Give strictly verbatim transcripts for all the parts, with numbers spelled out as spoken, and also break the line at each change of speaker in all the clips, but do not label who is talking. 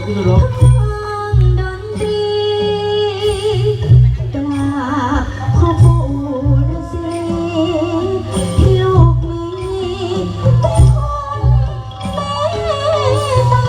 คุณสุรบ
ดนตรีกราบพ่อปู่ฤาษีที่ลูกมีทุกคนเมตตา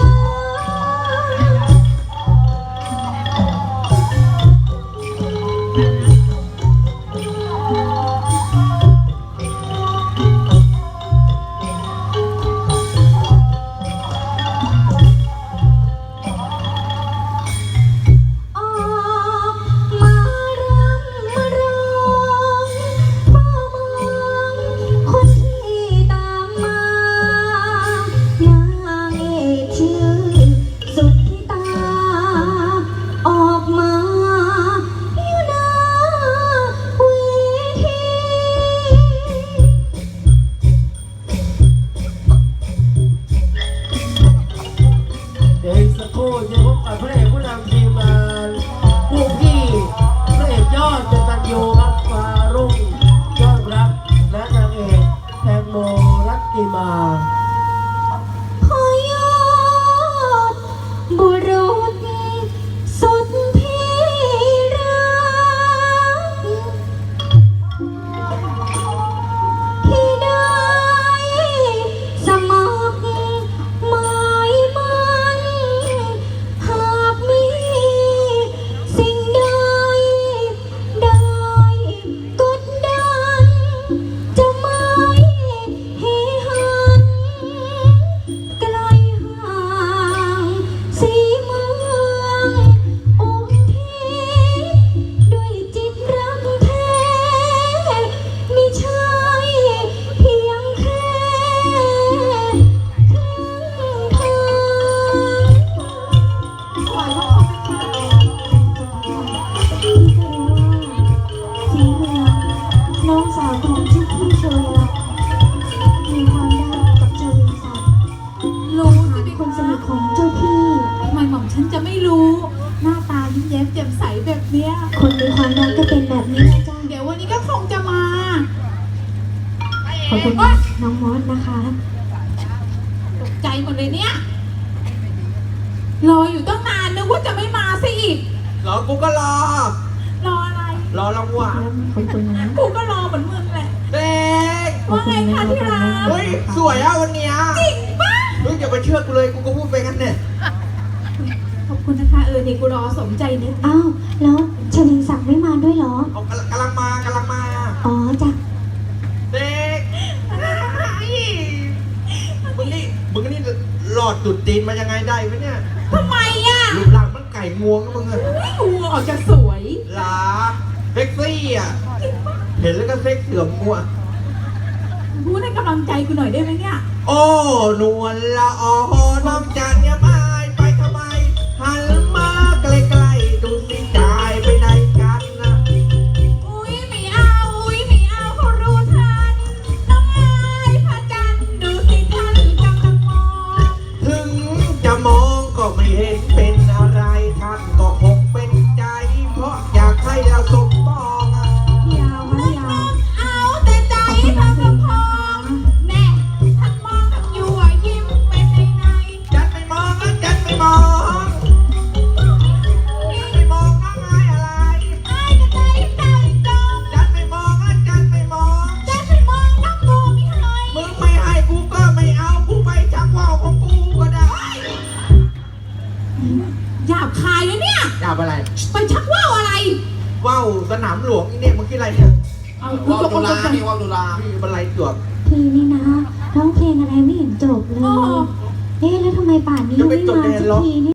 คนมีความรักก็เป็นแบบนี้นะจ๊ะ
เดี๋ยววันนี้ก็คงจะมา
ขอบคุณน้องมอสนะคะ
ตกใจหมดเลยเนี่ยรออยู่ตั้งนานนึกว่าจะไม่มาซะอีก
รอกูก็รอ
รออะไร
รอรางวัล
ขอบคุณนะ
กูก็รอเหมือนมึงแหละ
เด็ก
ว่าไงคะที่รัก
เฮ้ยสวยอ่ะวันนี้
จริงปะ
เฮ้ยอย่าไปเชื่อกูเลยกูก็พูดไปงั้นเนี่ย
ขอบคุณนะคะเออนี่กูรอสมใจนึก
อ้าวแล้วชลิงศักดิ์ไม่มาด้วยเหรอ
เอากำลังมากำลังมา
อ๋อจ้ะ
เด็กมึงนี่มึงนี่หลอดจุดตีนมายังไงได้ไหมเนี่ย
ทำไมอ่ะ
รูปร่างมันไก่งวงนะมึงอะ
ไม่งวงออกจะสวย
หลาเซ็กซี่อ่ะเห็นแล้วก็เซ็กเสื่อมงัว
พูดให้กำลังใจกูหน่อยได้ไหมเนี่ย
โอ้นวลละออน้องจันเนี่ยมาไปทำไมหันมาใกล้ๆดูสิจ่ายไปไหนกันนะ
อุ้ยไม่เอาอุ้ยไม่เอาเขารู้ทันน้องอายพระจันทร์ดูสิท่านกำลังมอง
ถึงจะมองก็ไม่เห็นเป็นอะไรท่านก็คงเป็นใจเพราะอยากให้เราสมปองอ่ะ
ยาวมายาว
เอาแต่ใจทำละพองแน่ท่านมองท่านอยู่ยิ้มเป็นในใน
จัดไม่มองแล้วจัดไม่มองไม่มองน้องอายอะไร
อายก็ใจใจจอง
จัดไม่มองแล้วจัดไม่มอง
จัดไม่มองน้องกูไม่ให้
มึงไม่ให้กูก็ไม่เอากูไปชักว่าวของกูก็ได้
หยาบคายเลยเนี่ย
หยาบอะไร
ไปชักว่าวอะไร
ว่าวสนามหลวงนี่เนี่ยมึงคิดอะไรเนี่ย
ว่าว
ดุลาพี่ว่าวดุลาพี่บรรลัยจวบ
พี่นี่นะร้องเพลงอะไรไม่เห็นจบเลยเอ๊ะแล้วทำไมป่านนี้ยังไม่มาสักทีนี่